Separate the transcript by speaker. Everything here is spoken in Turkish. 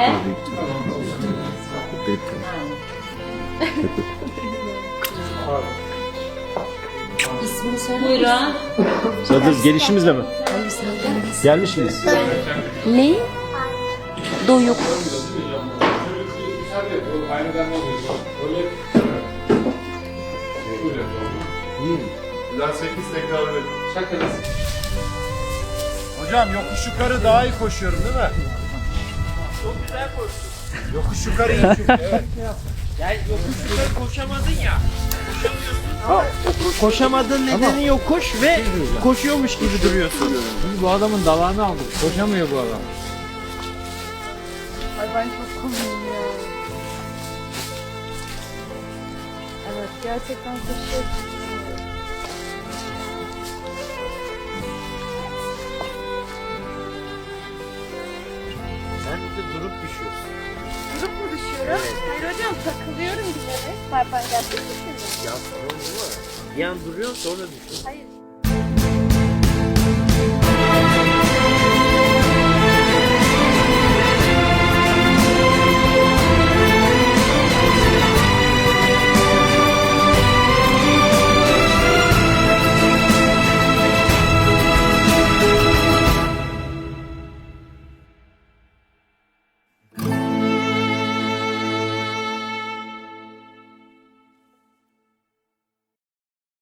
Speaker 1: İsmini söyle.
Speaker 2: Buyurun.
Speaker 3: Sadece gelişimizle mi? Gelmiş miyiz?
Speaker 1: Ne? Doyuk.
Speaker 4: Daha 8 tekrar öyle. Şakası.
Speaker 3: Hocam yokuş yukarı daha iyi koşuyorum değil mi? Çok güzel koştun. Yokuş yukarı iyi çünkü evet.
Speaker 5: Yani yokuş yukarı koşamadın ya. Koşamıyorsun. Koşamadığın nedeni yokuş ve koşuyormuş gibi duruyorsun.
Speaker 6: Biz bu adamın dalağını aldık. Koşamıyor bu adam.
Speaker 7: Ay ben çok komiyim ya. Evet gerçekten koşuyor.
Speaker 5: Sen de durup düşüyorsun.
Speaker 7: Durup mu düşüyorum? Hayır hocam takılıyorum bir kere. Ben gerçekten düşüyorum.
Speaker 5: Ya sorun bu mu? Bir an duruyorsun sonra düşüyorsun.
Speaker 7: Hayır.